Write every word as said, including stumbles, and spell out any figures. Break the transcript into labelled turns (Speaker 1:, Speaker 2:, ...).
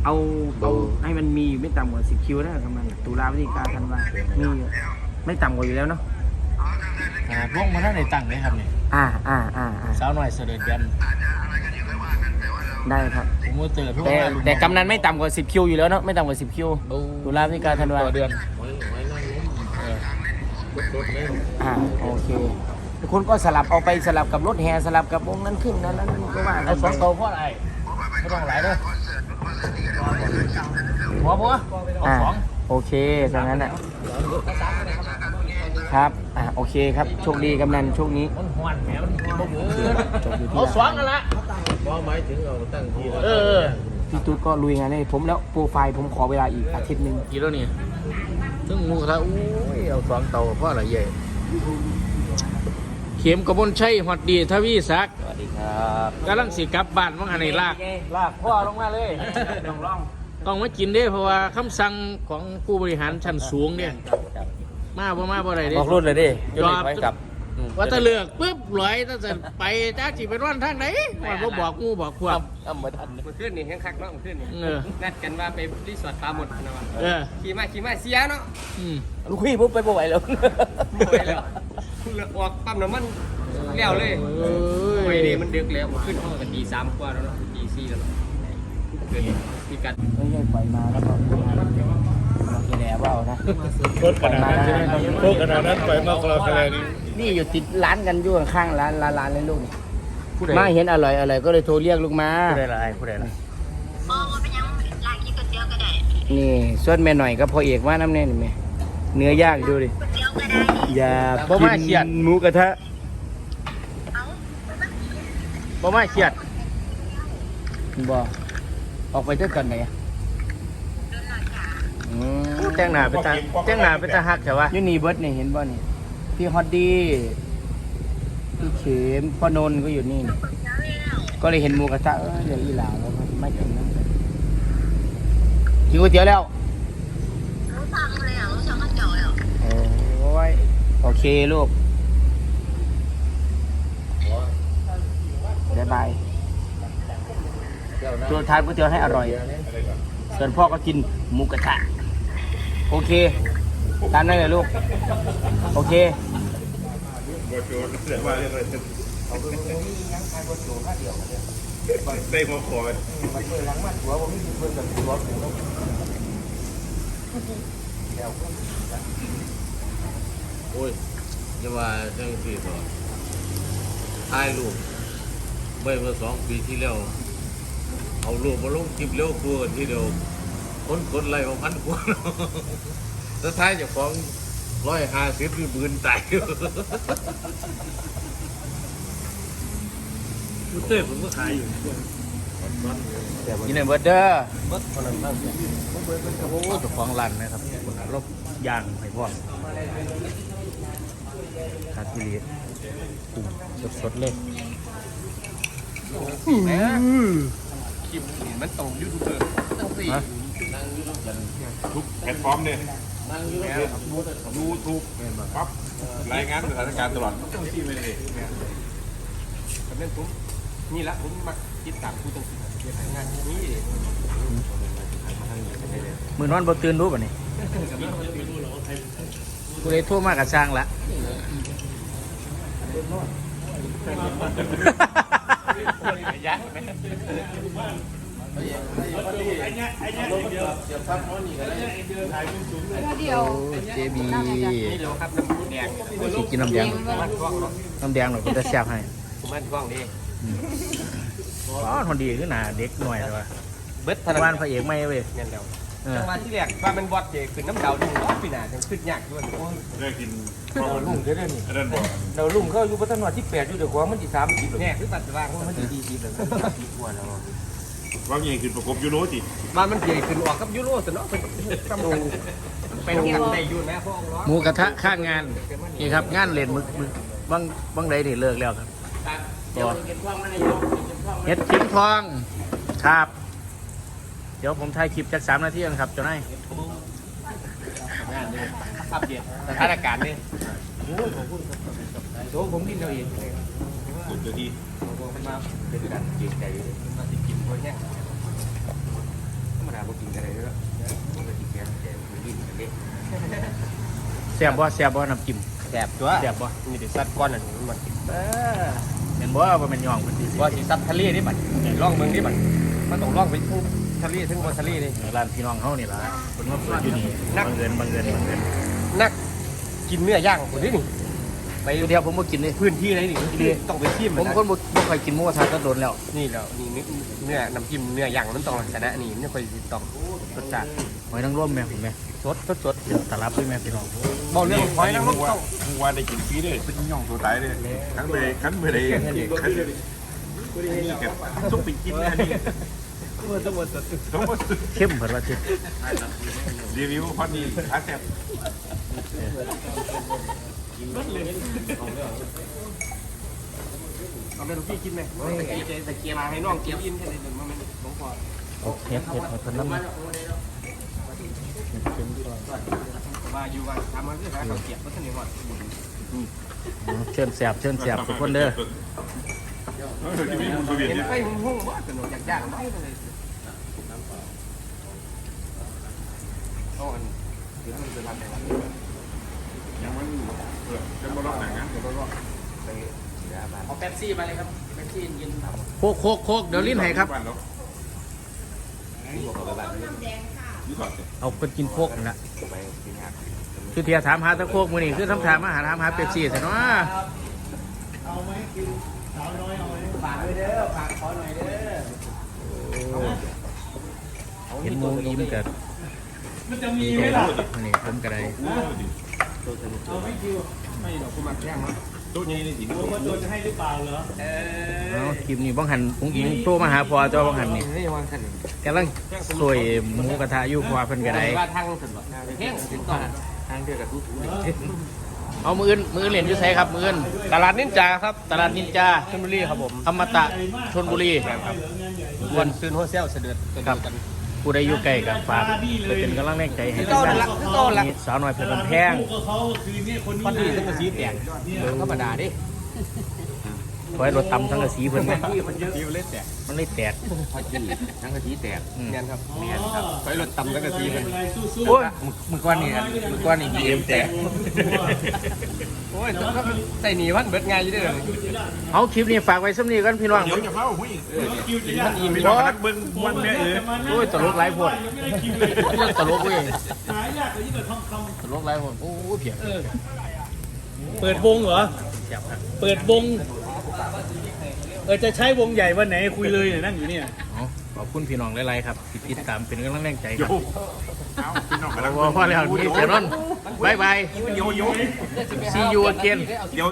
Speaker 1: เอาเอาให้มันมีอยู่ไม่ต่ำกว่าสิบคิวนะครับมันตุลาพฤศจิกาธันวามีไม่ต่ำกว่าอยู่แล้วเนาะ
Speaker 2: อ่าวงมาท่านในตั้งเลยครับเนี่ย
Speaker 1: อ่าอ่าอ่าอ่า
Speaker 2: สาวหน่อยเสด็จยัน
Speaker 1: ได้ครับ
Speaker 2: ผมว่าเจอทุก
Speaker 1: แต่แต่กำนันไม่ต่ำกว่าสิบคิวอยู่แล้วเนาะไม่ต่ำกว่าสิบคิวตุลาพฤศจิกาธันวา
Speaker 2: ต่อเดือน
Speaker 1: อ่าโอเคทุกคนก็สลับเอาไปสลับกับรถแห่สลับกับวงนั้นขึ้นนั้นนั้นก็ว่า
Speaker 2: เอาสองโตเพราะอะไรไม่ต้องหลายเด้อหัวบัวเอาสอง
Speaker 1: โอเคดังนั้นอ่ะครับอ่าโอเคครับโชคดีกำนันโชคนี้
Speaker 2: มันหวานแหมมันบ่เบื่อ
Speaker 1: จบอยู่ที่
Speaker 2: เอาสองกันละ
Speaker 3: ว่าหมายถึงเอาตั้งที่
Speaker 2: เออ
Speaker 1: พี่ตุ๊ดก็ลุยงานให้ผมแล้วโปรไฟล์ผมขอเวลาอีกอาทิตย์หนึ่ง
Speaker 2: กี่แล้วนี่ซึ่งงูกระทะโอ้ยเอาสองเตาเพราะอะไรใหญ่เข็มกระบนชัยหอดดีทวีศักดิ์
Speaker 1: สวัสดีครับ
Speaker 2: กำลังสิกลับบ้านมั่งหันในลาก
Speaker 1: ลากพ่อลงมาเลยลองลอง
Speaker 2: ต้องมากินเด้เพราะว่าคำสั่งของผู้บริหารชั้นสูงเนี่ยมาบ่มาบ่ได้เด้
Speaker 1: บอกรุ่นเลยดิ
Speaker 2: จอบว่าถ้าเลือกปุ๊บลอยถ้าจะไปจ้าจีเป็นวันทางไหนมันก็บอกงูบอกพวก
Speaker 1: ทำมาทัน
Speaker 4: มันขึ้นนี่แห้งคักเนาะมันขึ้นนี่นัดกันว่าไปรีสอร์ทปลาหมดนะวะขี่มาขี่มาเสียเนาะ
Speaker 1: ลูกพี่ปุ๊บไปบ่ไหวแล้ว
Speaker 4: บ่ไหวแล้วเลือกออกปั๊มน้ำมันเลี้ยวเลยโอ้ยนี่มันดึกแล้วขึ้นห้องกันตีสามกว่าแล้วเนาะตีสี่แล้วเกิดมีการ
Speaker 1: ไม่ใช่ปล่อยมาแล้วก็แหน่ว่านะ
Speaker 3: โคตรขนาดนั้นโคตรขนาดนั้นไปมากกว่าขนาดนี้
Speaker 1: นี่อยู่ติดร้านกันอยู่ข้างร้านร้านร้านเลยลูกมาเห็นอร่อยอร่อยก็เลยโทรเรียกลูกมา
Speaker 2: ผู้ใดละไอ้ผู้ใดละ
Speaker 5: อ๋อเป็นยังร้านกินก๋วยเตี๋ยวก็ได้
Speaker 1: นี่ส่วนแม่หน่อยก็พอเอกว่าน้ำแน่นไหมเนื้อย่างดูดิ
Speaker 5: ก๋วยเตี๋ยวก็ได้
Speaker 1: อย่ากินหมูกระทะ
Speaker 2: บ่มาเขียด
Speaker 1: บ่ออกไปเท่ากันไหน
Speaker 2: แจ้งหน้าไปตาแจ้งหน้าไปตาหักใช่ปะ
Speaker 1: ยูนีเบิร์ดเนี่ยเห็นบ่นี่พี่ฮอตดี้พี่เข็มพ่อนนท์ก็อยู่นี่ก็เลยเห็นหมูกระทะเออเดี๋ยวอีหลาแล้วไม่กินนะกินก๋วยเตี๋ยวแล้ว
Speaker 5: รู้ทางเลยอ่ะรู้ทางก็เจ๋อแล้ว
Speaker 1: โอ้ยโอเคลูกบ๊ายบายตัวทานก๋วยเตี๋ยวให้อร่อยส่วนพ่อก็กินหมูกระทะโอเคตามนั้นเลยลูกโอเค
Speaker 3: ได้มาขอโอ้ยจะว่าจังสิต่อถ่ายรูปเมื่อสองปีที่แล้วเอารูปมาลงคลิปเร็วกว่าที่เดียวคนกดไลค์ของพันกว่าแล้วท้ายจะฟ้องร้อยห้าสิบหรือหมื่นใจมุ้เต้ผมก็ขายอยู่
Speaker 1: ยินดีเบิร์ดเด้อ
Speaker 2: เบิร์ดคนนั้นครับโอ้เจ้าของร้านนะครับคนรบย่างให้พ่อคาทิลีกุ้งสดๆเลย
Speaker 4: คลิปมันตรงยูทูบเบอร์ตั้งสี่
Speaker 3: ทุกแพลตฟอร์มเนี่ยยูทูบปั๊บรายงานสถานการณ์ตลอดต้องที่ไม่ได้
Speaker 4: กับเล่นปุ๊บนี่ละผมมาคิดตามผู้ตั้งสี่เกี่ยวกับงานนี้
Speaker 2: มือนอนบนตื่นรู้ป่ะนี่กูเลยโทษมากกับช่างละยักษ์ไหม
Speaker 1: เดียวเจบี
Speaker 4: นี่เราครับน้ำแดง
Speaker 2: กินน้ำแดงน้ำแดงหน่อยก็จะแซ่บให้
Speaker 4: ผมมันกล้องดี
Speaker 2: อ๋อคนดีขึ้นหนาเด็กหน่อยเลยวะ
Speaker 4: เบิร์ดธน
Speaker 2: บ้านพระเอกไม่เว้ย
Speaker 4: เงี้ยเดียวจังหวะที่แรกว่ามันบอดเจขึ้นน้ำดาวดึงล้อปีหน้าจังขึ้นยากด้วย
Speaker 3: ได้กิน
Speaker 4: ดาวลุ่งเด้อนี่
Speaker 3: ดาว
Speaker 4: ลุ่งเขาอยู่พัฒนาที่แปดอยู่เดี๋ยวกว่ามันที่สามสิบเนี่ยคือตัดว่างมันที่ดีสิบเลยสิบกว่าแล้ว
Speaker 3: ว่างยังขึ้นประกบยูโรติ
Speaker 4: บ้านมันใหญ่ขึ้นออกกับยูโรสนอเป็นตำกันไปทำกันได้ยูนะพ่อ
Speaker 2: หมูกระทะข้างงานนี่ครับงานเล่นมึกมึกบางบางใดนี่เลิกแล้วครับเฮ็ดทิ้งทองครับเดี๋ยวผมถ่ายคลิปจากสามนาทีกันครับเจ้านาย
Speaker 4: งานเลยอัปเดตสถานการณ์นี่โอ้ยขอบคุณครับโซ่ผมกินเราเอง
Speaker 3: สุดเลยที
Speaker 4: ผมมาเป็นการเกรงใจมาติดกินเพราะแค่ธรรมดากินอะไรเยอะมันก็กินแกงแต่กินเล็ก
Speaker 2: แซ่บบ่แซ่บบ่น้ำจิ้ม
Speaker 4: แสบตัว
Speaker 2: แซ่บบ่
Speaker 4: มีแต่ซัดก้อนอันนี้มัน
Speaker 2: เออเห็นบ่ว่าเป็นย่องเป็นที่สิ
Speaker 4: ว่าสีซัดทะเลนี่มันล่องเมืองนี่มันมันต้องล่องไปทั้งทะเลทั้งบนทะเลนี่
Speaker 2: ร้านพี่น้องเฮานี่ล่ะเพิ่นมาเปิดอยู่นี่บังเอิญบังเอิญบังเอิญ
Speaker 4: นักกินเนื้อย่างคนนี้นี่
Speaker 2: ไปเดียวผมบ่กินเลย
Speaker 4: พื้นที่ไหนนี่ต้องไปชิม
Speaker 2: ผมคนบ่บ่ค่อยกินหมูกระทะก็โดนแล้ว
Speaker 4: นี่แล้วนี่เนื้อน้ำจิ้มเนื้อย่างมันต้องชนะนี่ไม่ค่อยต้องรสชาติ
Speaker 2: หอยนางรมแม่ผมแม่
Speaker 4: สดสดสด
Speaker 2: เดี๋ยวตาลับด้วยแม่พี่น้อง
Speaker 4: บอกเรื่องหอยนางรมต้อง
Speaker 6: มึงว่าได้กินฟรีเลยเป็นย่องตัวตายเลยขันไปขันไปเลยขันนี่กับต้องไปกินนะนี่ต้องมา
Speaker 2: เข้มเพิ่นว่าสิ
Speaker 6: รีวิวพอดีอาแซ่บ
Speaker 4: เอาเป็นพี่กินไหมแต่เกียร์มาให้น้องเกียร์อินแค่นี้มันไม่ต้องพอ
Speaker 2: โอเคเฮ็ดให้เพิ่นนำ
Speaker 4: ว่าอยู่ว่าทำมันคือหาเขาเกียร์เพราะฉะนั้นว่า
Speaker 2: เชิญแซ่บเชิญแซ่บทุกคนเด้อ
Speaker 6: ที่มีคุณสุวิน
Speaker 4: เห็น
Speaker 6: เนี่ย
Speaker 4: ไฟหุ่งๆว่าสนุกอยากย่างไม่เลยต้องอันเดี๋ยวมันจะทำอะไร
Speaker 6: ยังมันเออจะมาลอกหนังนะ
Speaker 1: เอาเป๊ปซี่มาเลยครับเป๊ปซี่เย็น
Speaker 2: โคกโคกโคกเดี๋ยวลิ้นให้ครับ
Speaker 6: ยี่สิบ
Speaker 2: เอาเพิ่นกินโคกนั่นล่ะคือเทียถามหาตะโคกมื้อนี้คือทำถามมาหาถามหาเป๊ปซี่ซะเนาะ
Speaker 1: เอาไหมกินสาวน้อยเอาไหมฝากด้วยเด้อฝากขอหน่อยเด้อ
Speaker 2: เห็นหมูยิ้มก็
Speaker 1: มันจะมี
Speaker 2: ดี
Speaker 1: ไหม
Speaker 2: ใจ
Speaker 1: ล่ะ
Speaker 2: นี่ผมก็ได้
Speaker 1: เอาไม่คิว
Speaker 4: ไม่หรอกคุณมาแย่งมั้ง
Speaker 6: ตัวนี้นี่สิ
Speaker 1: ว่าโดนจะให้หรือเปล่าเหรอเออ
Speaker 2: เอาคลิปนี้บ้องหันปุ้งอิงโทรมาหาพอตัวบ้องหันนี่
Speaker 4: นี่วางขัน
Speaker 2: กำลังสวยหมูกระทะอยู่พอเพิ่นก็ได้
Speaker 4: ว่าทางสุดหรอแห้งสุดต่อทางเดียวกับทุก
Speaker 2: เอามืออื่นมืออื่นเหรียญอยู่ไสครับมืออื่น
Speaker 4: ตลาดนินจาครับ
Speaker 2: ตลาดนินจา
Speaker 4: ชลบุรีครับผม
Speaker 2: อมตะชลบุรี
Speaker 4: วันซื้อโฮเซลเสด็จ
Speaker 2: ครับผู้ใดอยู่ใกล้กับฝากไปเป็นกำลังแรงใจให้
Speaker 4: ต้นละต้นละ
Speaker 2: นี่สาวน้อยเพชรบ้านแพง
Speaker 1: เขาคือเนี่ยคนนี้
Speaker 4: วันนี้ต้องมาซีแตกธรรมดาดิ
Speaker 2: ขอให้รถตำทั้งกระสีเพิ่นไหม
Speaker 4: มันเยอะเล่นแตก
Speaker 2: มันเลยแตก
Speaker 4: พอจีทั้งกะทิแตก
Speaker 2: อืม
Speaker 4: เนียนครับเนียนครับไปรถตำทั้งกะทิมัน
Speaker 2: โอ้ยมือก้อนนี่มือก้อนนี่บีเอ็มแตก
Speaker 4: โอ้ยต้องใส่หนีวันเบิดไงอยู่เด้อ
Speaker 2: เอาคลิปนี้ฝากไว้สำนีกันพี่น้อง
Speaker 6: เดี๋ยวจะเฝ้าหุ้ย
Speaker 4: ท่านอี
Speaker 6: มี
Speaker 4: มี
Speaker 6: รอนักเบิ้งวันแม่เอ๋
Speaker 2: โอ้ยตลกหลายพวดเรื่องตลกเว้ย
Speaker 1: หายากกว่ายิ่งกว่าทองคำ
Speaker 2: ตลกหลายพวดโอ้ยเพียง
Speaker 1: เปิดวงเหรอ
Speaker 2: แซ่บครับ
Speaker 1: เปิดวง เออจะใช้วงใหญ่วันไหนคุยเลยเนี่ยนั่งอยู่เนี่ย
Speaker 2: เอาขอบคุณพี่น้องหลายๆครับที่ติดตามเป็นกำลังแรงใจค
Speaker 6: โย
Speaker 2: รับ
Speaker 6: เอาพี่น้องกำลัง
Speaker 2: พอแล้วนี่เสร็จแล้วบายบาย
Speaker 6: โยโย่
Speaker 2: see you again
Speaker 6: เดี๋ยว